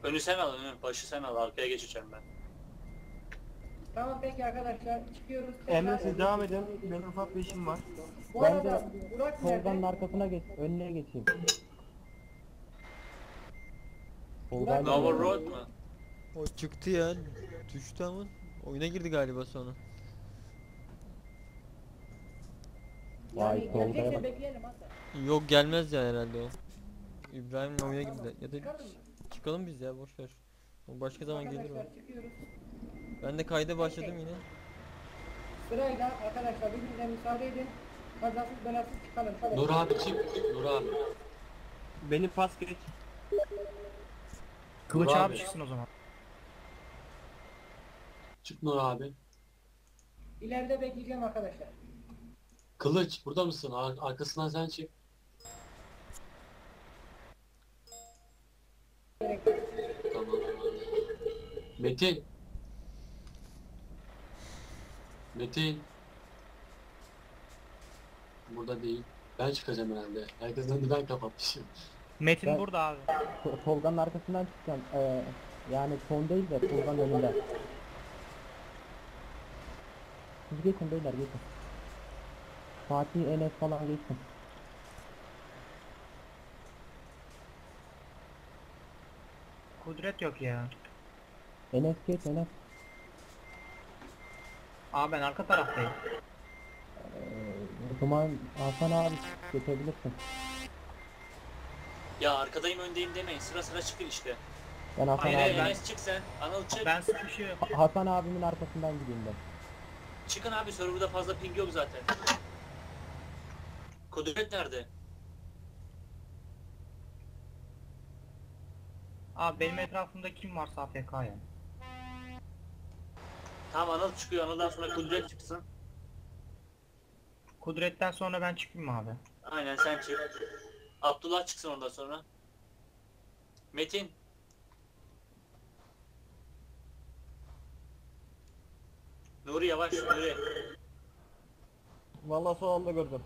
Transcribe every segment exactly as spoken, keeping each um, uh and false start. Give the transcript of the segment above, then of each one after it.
Önü sen al, önü. Başı sen al. Arkaya geçeceğim ben. Tamam peki arkadaşlar çıkıyoruz. Emre siz devam edin. Benim ufak bir işim var. Bu Ben arada de Burak Tolga'nın nerede? arkasına geç, önüne geçeyim. Burak Tolga'yla Nova nerede? Road mu? O çıktı ya. Düştü ama. Oyuna girdi galiba sonra. Vay, Yani Tolga'ya gelecekse bak. bekleyelim hatta. Yok gelmez ya herhalde o. İbrahim'le oyuna girdi. Ya da Çıkalım mı? çıkalım biz ya boş ver. O başka zaman gelir o. Arkadaşlar çıkıyoruz. Ben de kayda başladım yine. Sırayla arkadaşlar birbirine müsaade edin. Kazasız belasız çıkalım. Nur abi çık. Nur abi. Beni pas geç. Kılıç Nur abi. abi çıksın o zaman. Çık Nur abi. İleride bekleyeceğim arkadaşlar. Kılıç burada mısın? Ar arkasından sen çık. Tamam. Metin. Metin. Burada değil. Ben çıkacağım herhalde. Herkesten önünü ben kapatmışım. Metin Ben- burada abi. To- Tolga'nın arkasından çıkacağım. Ee, yani son değil de Tolga'nın önünde. Siz geçin beyler, geçin. Fatih, Enes falan geçsin. Kudret yok ya. Enes geç, Enes. Abi ben arka taraftayım. Ee, o zaman Hasan abi geçebilirsin. Ya arkadayım öndeyim demeyin. Sıra sıra çıkın işte. Ben Hasan Hayır abi, hayır Enes çık sen. Anıl çık. Ben sıkışıyorum. Ha- Hasan abimin arkasından gideyim ben. Çıkın abi, serverda fazla ping yok zaten. Kudret nerede? Abi benim etrafımda kim varsa A F K ya. Tamam, Anıl çıkıyor. Anıl'dan sonra Kudret çıksın. Kudret'ten sonra ben çıkayım abi. Aynen sen çık. Abdullah çıksın ondan sonra. Metin. Nuri yavaş, Nuri. Vallahi son anda gördüm.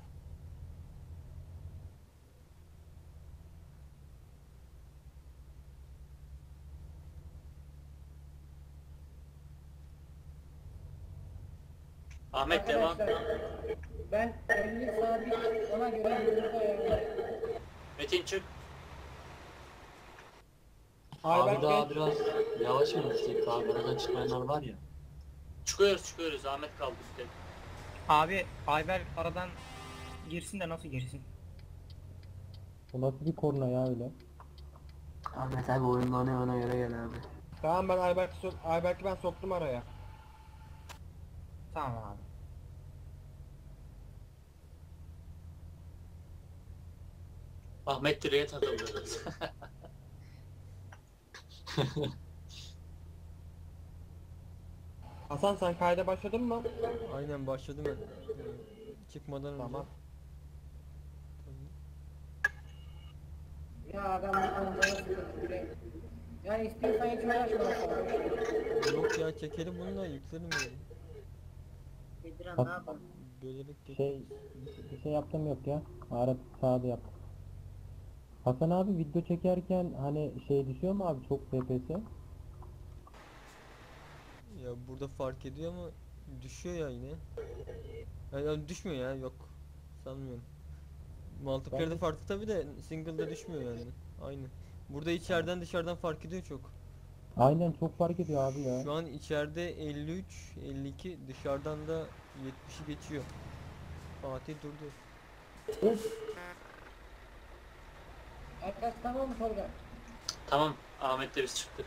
Ahmet devam. Arkadaşlar ben elli sabit ona göre yolumuzu ayarlayacağım. Metin çık. Abi daha biraz yavaş mı gitsek? Daha aradan çıkmayanlar var ya. Çıkıyoruz çıkıyoruz. Ahmet kaldı bir tek. Abi Ayber aradan girsin de nasıl girsin? Bu nasıl bir korna ya öyle? Ahmet abi oyunlarına ona göre gel abi. Tamam ben Ayberk'i sok Ayberk'i ben soktum araya. Tamam abi. Ahmet direğe takıldı. Hasan sen kayda başladın mı? Aynen başladım ben. Ee, Çıkmadan önce. Tamam. Ya adam bu konuda sıkıntı bile. Yani istiyorsan hiç uğraşma. Yok ya çekelim bunu da yüklerim yani. Bak, Bölerek geç. şey, bir şey yaptım yok ya. Arap sağda yaptım. Hasan abi video çekerken hani şey düşüyor mu abi, çok F P S? Ya burada fark ediyor ama düşüyor ya yine. Ya, ya düşmüyor ya, yok. Sanmıyorum. Multiplayer'de Ben- farklı tabi de single'da düşmüyor yani. Aynı. Burada içeriden dışarıdan fark ediyor çok. Aynen, çok fark ediyor abi ya. Şu an içeride elli üç, elli iki, dışarıdan da yetmişi geçiyor. Fatih durdu. Arkadaş tamam mı Tolga? Tamam, Ahmet'le biz çıktık.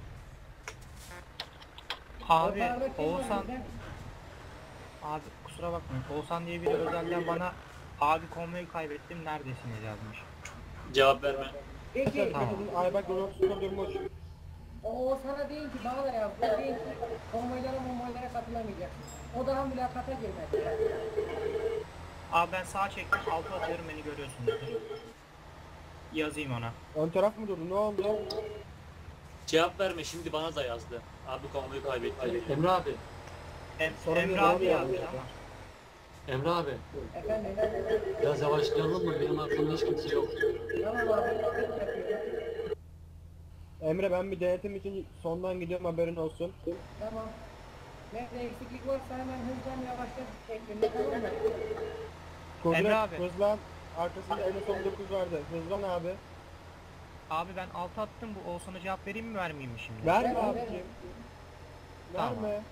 Abi Ortalarda kim var Oğuzhan bizden? abi kusura bakmayın. Oğuzhan diye biri özelden bana abi konvoyu kaybettim neredesiniz yazmış. Cevap verme. Peki Tamam. Ayberk Yunus'un durmuş. O sana değil ki bana da yazdı. Değil ki konvoylara monvoylara katılamayacaksın. O daha mülakata girmedi. Abi ben sağa çektim altı atıyorum beni görüyorsunuz. Yazayım ona. Ön taraf mı durdu, ne oldu? Cevap verme, şimdi bana da yazdı. Abi konvoyu kaybetti. Emre abi. Em Sorun Emre yok, abi abi yazdı ya. ama. Emre abi. Efendim? Biraz yavaşlayalım mı? Benim arkamda hiç kimse yok. Tamam abi. Yapıyorum. Emre ben bir denetim için sondan gidiyorum, haberin olsun. Tamam. Nerede eksiklik varsa hemen hızlan yavaşlat şeklinde, tamam mı? Kudret Emre abi. hızlan. Arkasında Enes on dokuz vardı. Hızlan abi. Abi ben altı attım, bu Oğuzhan'a cevap vereyim mi vermeyeyim mi şimdi? Verme Ver, abicim. Tamam. Verme.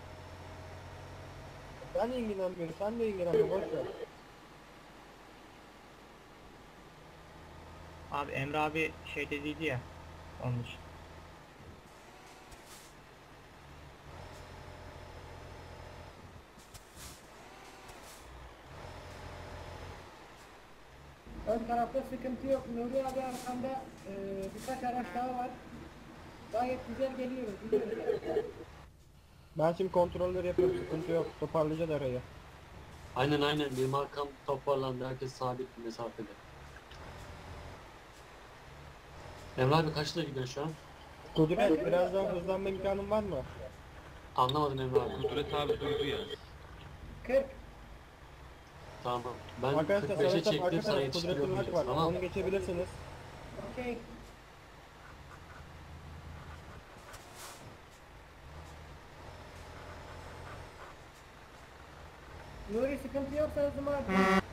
Ben de ilgilenmiyorum. Sen de ilgilenme. Boş ver. Abi Emre abi şey dediydi ya, onun için. Ön tarafta sıkıntı yok. Nuri abi arkamda e, birkaç araç daha var. Gayet güzel geliyoruz. Gidiyoruz yani. Ben şimdi kontrolleri yapıyorum. Sıkıntı yok. Toparlayacağız arayı. Aynen aynen benim arkam toparlandı. Herkes sabit bir mesafede. Emre abi kaçta gidiyorsun şu an? Kudret biraz daha hızlanma imkanın var mı? Anlamadım Emre abi. Kudret abi durdu ya. kırk. Tamam. Ben Arkadaşlar kırk beşe sanırsam arka çektim sana tarafta yetiştiriyorum Kudret'in hak var. diyeceğiz, tamam. Onu geçebilirsiniz. Okey. Nuri sıkıntı yoksa hızımı artır.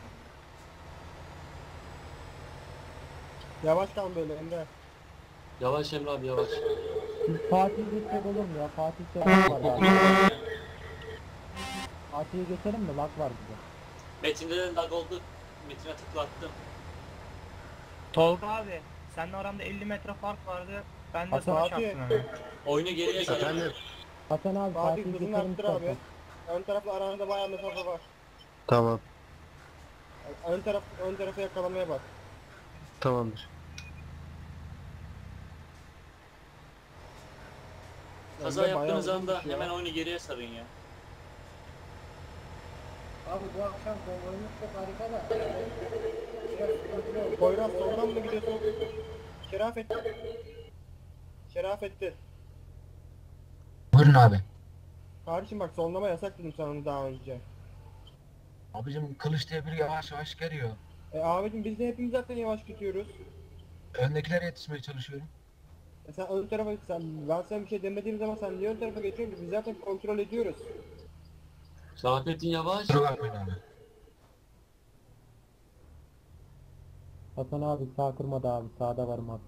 Yavaş kal böyle Emre. Yavaş Emre abi yavaş. Biz Fatih'i geçsek olur mu ya? Fatih'te lag var galiba. Fatih'i geçelim mi? Lag var bize. Metin'de de lag oldu. Metin'e tıklattım. Tolga abi, seninle aramda elli metre fark vardı. Ben de Hasan sana abi. çarptım hemen. Oyunu geriye sarın. Efendim? Hasan abi Fatih Fatih'i hızını geçelim arttır abi. istersen. Ön tarafla aranda bayağı mesafe var. Tamam. Ön taraf ön tarafı yakalamaya bak. Tamamdır. Kaza Emre bayağı yaptığınız uzun anda düşüyor. hemen oyunu geriye sarın ya. Abi bu akşam konvoyumuz çok harika da. Biraz sıkıntılı oldu. Poyraz soldan mı gidiyorsun? Şerafettin. Şerafettin. Buyurun abi. Kardeşim bak sollama yasak dedim sana daha önce. Abicim kılıç diye biri yavaş yavaş geliyor. E abicim biz de hepimiz zaten yavaş gidiyoruz. Öndekilere yetişmeye çalışıyorum. E sen ön tarafa sen ben sana bir şey demediğim zaman sen niye ön tarafa geçiyorsun? Biz zaten kontrol ediyoruz. Şerafettin yavaş. Kusura bakmayın abi. Hasan abi sağ kırmadı abi. Sağda varım abi.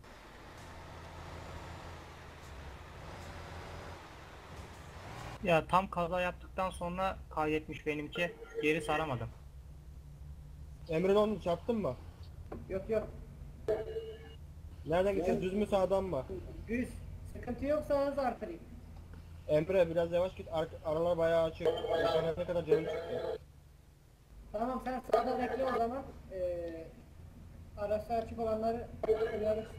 Ya tam kaza yaptıktan sonra kaydetmiş benimki. Geri saramadım. Emre ne oldu, çarptın mı? Yok yok. Nereden gideceğiz? Düz mü sağdan mı? Düz. Sıkıntı yoksa hız artırayım. Emre biraz yavaş git. Ar aralar bayağı açık. Yaşana ne kadar canım çıktı. Tamam sen sağda bekle o zaman. Ee, araçlar açık olanları uyarırsın.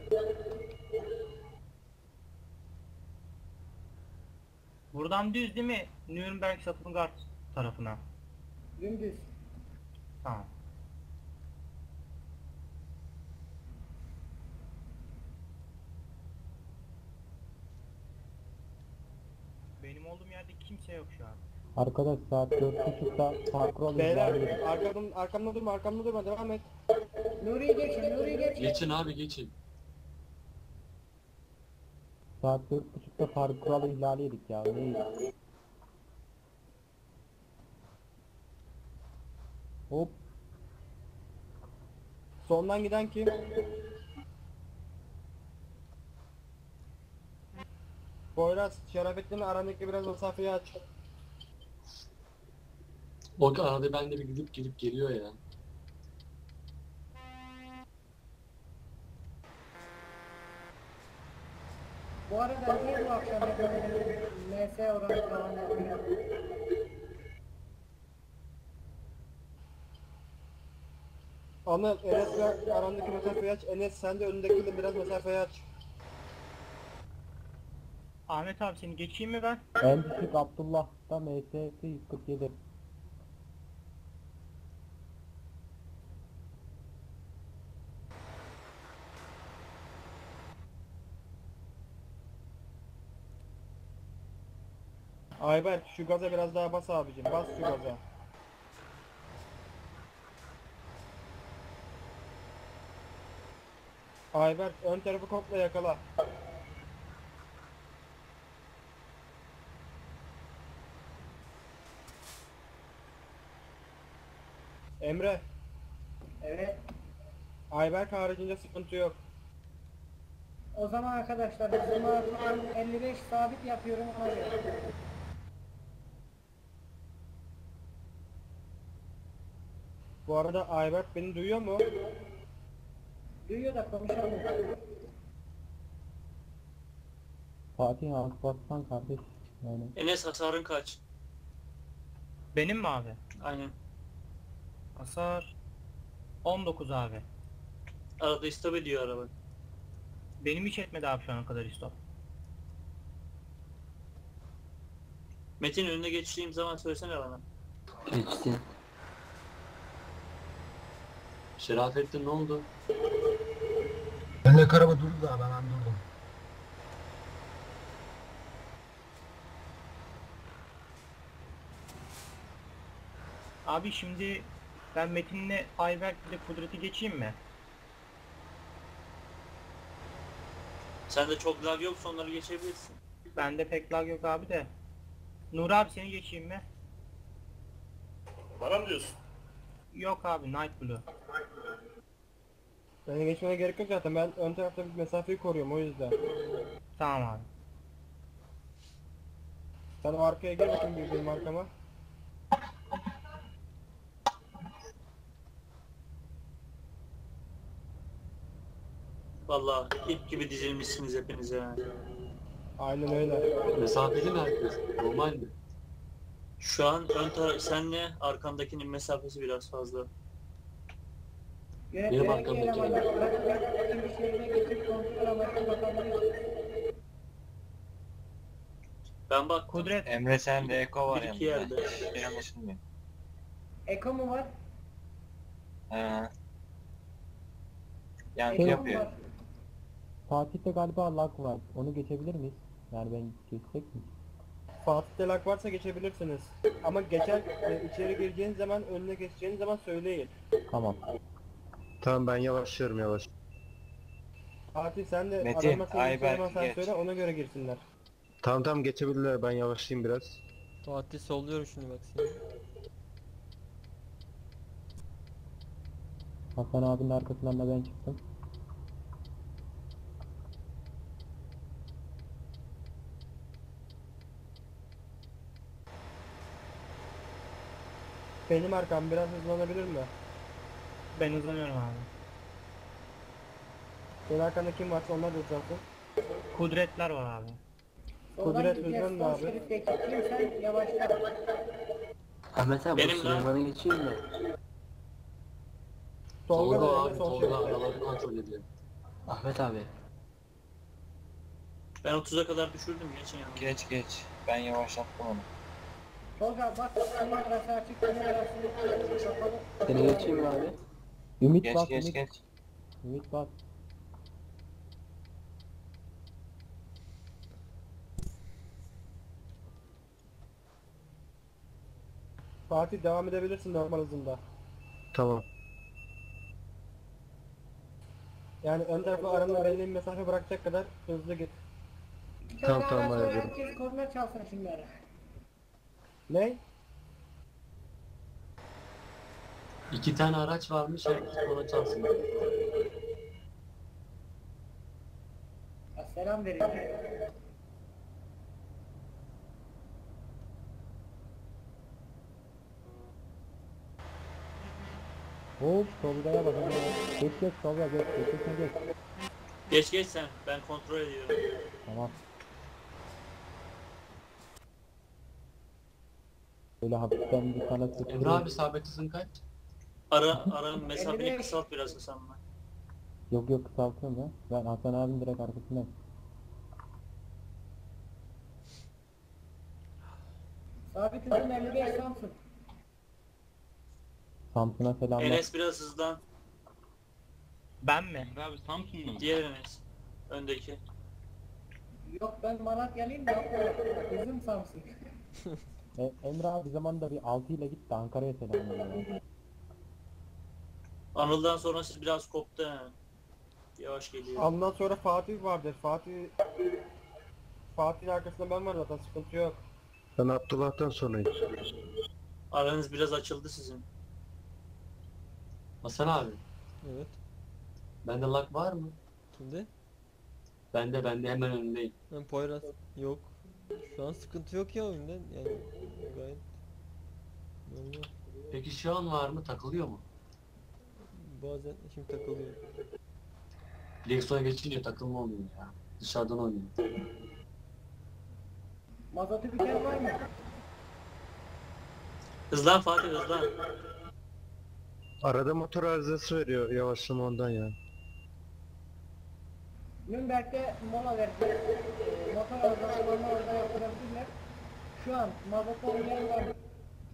Buradan düz değil mi? Nürnberg Stuttgart tarafına. Dümdüz. Tamam. Benim olduğum yerde kimse yok şu an. Arkadaş saat dört buçukta parkur Beyler ihlali. arkamdan, arkamda durma arkamda durma devam et. Nuri'yi geçin, Nuri'yi geçin. Geçin abi geçin. Saat dört buçukta parkur kuralı ihlali yedik ya. Neyiz? Hop. Sondan giden kim? Poyraz, Şerafettin'le arandaki biraz mesafeyi aç. O arada ben de bir gidip gidip geliyor ya. Bu arada niye bu akşam yapıyorum? M S oranı falan yapıyor. Anıl, Enes'le arandaki mesafeyi aç. Enes sen de önündekiyle biraz mesafeyi aç. Ahmet abi seni geçeyim mi ben? En düşük Abdullah'ta M S yüz kırk yedi. Ayberk şu gaza biraz daha bas abicim. Bas şu gaza. Ayberk ön tarafı komple yakala. Emre, Evet. Ayberk haricinde sıkıntı yok. O zaman arkadaşlar hızımı elli beş sabit yapıyorum ona göre. Bu arada Ayberk beni duyuyor mu? Duyuyor da konuşalım. Fatih az bassan kardeş. Yani Enes hasarın kaç? Benim mi abi? Aynen. Hasar on dokuz abi. Arada istop ediyor araba. Benim hiç etmedi abi şu ana kadar istop. Metin önüne geçtiğim zaman söylesene bana. Geçsin. Şerafettin ne oldu? Önündeki araba durdu da ben durdum. Abi şimdi ben Metin'le Ayberk ile Kudret'i geçeyim mi? Sende çok lag yoksa onları geçebilirsin. Bende pek lag yok abi de. Nur abi seni geçeyim mi? Bana mı diyorsun? Yok abi, Night Blue. Beni geçmene gerek yok zaten. Ben ön tarafta bir mesafeyi koruyorum o yüzden. Tamam abi. Sen o arkaya gel bakayım bir benim arkama. Vallahi ip gibi dizilmişsiniz hepinize yani. Aynen öyle. Mesafeli mi herkes? Normal mi? Şu an ön taraf senle arkandakinin mesafesi biraz fazla. Benim Yönetmelik arkamdaki elemanlar bırakın bir şeride geçip kontrol amaçlı bakabilirsiniz. Ben bak Kudret, Emre sende Eko var Bir iki yanında. yerde. Şey anlaşılmıyor. Eko mu var? Ha. Yankı Eko mu yapıyor. var? Fatih'te galiba lag var. Onu geçebilir miyiz? Yani ben geçecek mi? Fatih'te lag varsa geçebilirsiniz. Ama geçer e, içeri gireceğiniz zaman önüne geçeceğiniz zaman söyleyin. Tamam. Tamam ben yavaşlıyorum yavaş. Fatih sen de Metin, adamlar seni Ayberk, geçeceği zaman sen geç. söyle ona göre girsinler. Tamam tamam geçebilirler, ben yavaşlayayım biraz. Fatih solluyorum şimdi bak seni. Hasan abinin arkasından da ben çıktım. Benim arkam biraz hızlanabilir mi? ben hızlanıyorum abi. Senin arkanda kim varsa onlar da hızlansın. Kudretler var abi. Soldan Kudret gideceğiz, hızlanın sol abi. şeritteki kim sen yavaşla. Ahmet abi Benim bu lan. Süleyman'a geçeyim mi? Tolga Tolga da abi, önde sol Tolga şeritte. araları kontrol ediyor. Ahmet abi. Ben otuza kadar düşürdüm geçin yanına. Geç geç. Ben yavaşlattım onu. Tolga bak senin arası açık senin arası kapalı. Seni geçeyim mi abi? Ümit Geç bas, geç Ümit. geç. Ümit bas. Fatih devam edebilirsin normal hızında. Tamam. Yani ön tarafa aranda belli bir mesafe bırakacak kadar hızlı git. Bir Tamam, tane tamam, araç var, ayarladım. herkes korna çalsın şimdi ara. Ne? İki tane araç varmış, herkes ona çalsın. Ya selam verin. Hop Tolga'ya bak. Geç geç Tolga geç. Geç geç geç. Geç geç sen ben kontrol ediyorum. Tamam. Böyle hafiften bir sana Emre sıkıyorum. abi sabit hızın kaç? Ara aranın mesafeyi elli beş. kısalt biraz Hasan'la. Yok yok kısaltıyorum ya. Ben Hasan abinin direkt arkasındayım. Sabit hızım elli beş Samsun. Samsun'a selamlar. Enes biraz hızlan. Ben mi? Emre abi Samsun'da mı? Diğer Enes. Öndeki. Yok ben Malatyalıyım da hızım Samsun. E, Emre abi zamanda bir altı ile gitti Ankara'ya selamlar. ya. Anıl'dan sonra siz biraz koptu he. Yavaş geliyor. Ondan sonra Fatih vardır. Fatih Fatih'in arkasında ben varım zaten, sıkıntı yok. Ben Abdullah'tan sonrayım. Aranız biraz açıldı sizin. Hasan abi, Evet. bende lag var mı? Kimde? Bende bende hemen önündeyim. Ben Poyraz. Yok. Şu an sıkıntı yok ya oyunda. Yani gayet normal. Peki şu an var mı? Takılıyor mu? Bazen şimdi takılıyor. Direksiyona geçince takılma oluyor ya. Dışarıdan oynuyor. Mazotu biten var mı? Hızlan Fatih hızlan. Arada motor arızası veriyor yavaşlama ondan ya. Nürnberg'de mola verdi. E, motor arızalarını orada yaptırabilirler. Şu an mazot olmayan var mı?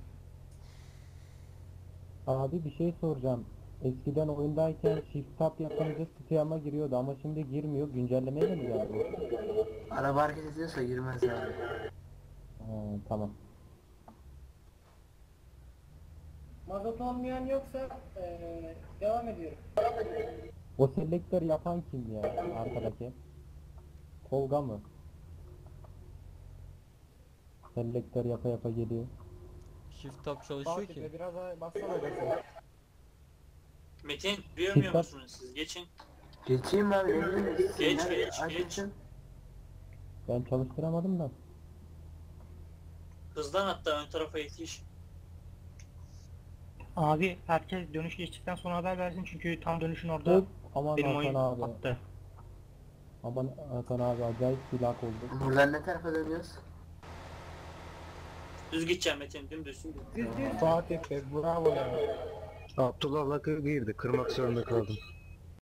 Abi bir şey soracağım. Eskiden oyundayken shift tab yapınca Steam'a giriyordu ama şimdi girmiyor. Güncellemeyle mi geldi bu? Araba hareket ediyorsa girmez abi. Ha, tamam. Mazot olmayan yoksa e, devam ediyorum. O selektör yapan kim ya arkadaki? Tolga mı? Selektör yapa yapa geliyor. Shift tab çalışıyor Fatih ki. be biraz daha bassana gazı. Metin duyamıyor Dikkat. musunuz siz? Geçin. Geçeyim abi, emin misin? Geç, Nerede? geç, Aç geç. için. Ben çalıştıramadım da. Hızlan hatta ön tarafa yetiş. Abi herkes dönüş geçtikten sonra haber versin çünkü tam dönüşün orada Dur, aman benim Hakan oyun abi. attı. Aman Hakan abi acayip bir lag oldu. Buradan ne tarafa dönüyoruz? Düz gideceğim Metin dümdüz. Düz düz. Fatih be bravo ya. Abdullah lag'a girdi. Kırmak zorunda kaldım.